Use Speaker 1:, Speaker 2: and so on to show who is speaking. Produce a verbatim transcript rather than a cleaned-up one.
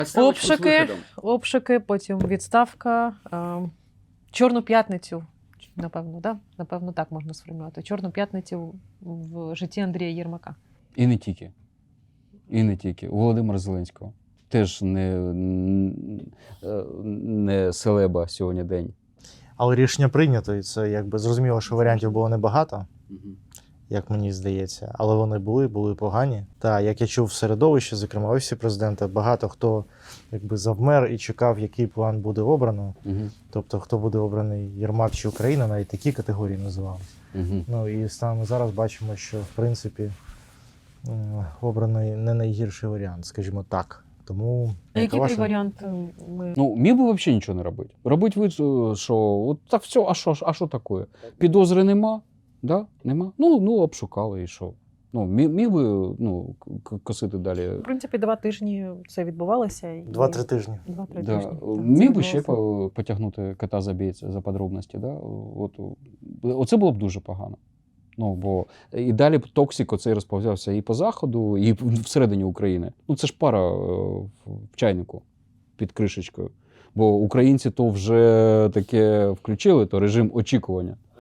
Speaker 1: Обшуки, обшуки, потім відставка. Е, Чорну п'ятницю, напевно, да? Напевно, так можна сформулювати. Чорну п'ятницю в житті Андрія Єрмака.
Speaker 2: І не тільки. І не тільки. У Володимира Зеленського. Теж не, не селеба сьогодні день.
Speaker 3: Але рішення прийнято, і це якби зрозуміло, що варіантів було небагато, як мені здається, але вони були, були погані. Та як я чув в середовищі, зокрема офісі президента, багато хто якби завмер і чекав, який план буде обрано.
Speaker 2: Угу.
Speaker 3: Тобто, хто буде обраний, Єрмак чи Україна, навіть такі категорії називали.
Speaker 2: Угу.
Speaker 3: Ну і станом зараз бачимо, що в принципі м, обраний не найгірший варіант, скажімо так. Тому
Speaker 1: А
Speaker 3: яка
Speaker 1: який
Speaker 3: ваша-
Speaker 1: той варіант ми...
Speaker 2: Ну, міг би взагалі нічого не робити. Робить вид, що от так все, а що, а що таке? Підозри нема, да? Нема. Ну, ну, обшукали і що. Ну, міг, міг би ну, к- косити далі.
Speaker 1: В принципі, два тижні це відбувалося. І...
Speaker 3: Два-три тижні.
Speaker 1: Два-три
Speaker 2: Да.
Speaker 1: тижні. Так,
Speaker 2: Міг
Speaker 1: це
Speaker 2: би ще
Speaker 1: відбувалося.
Speaker 2: по- потягнути кота за бійця за подробності. Да? От, оце було б дуже погано. Ну, бо і далі б токсик оцей розповзявся і по Заходу, і всередині України. Ну, це ж пара е, в чайнику під кришечкою. Бо українці то вже таке включили, то режим очікування.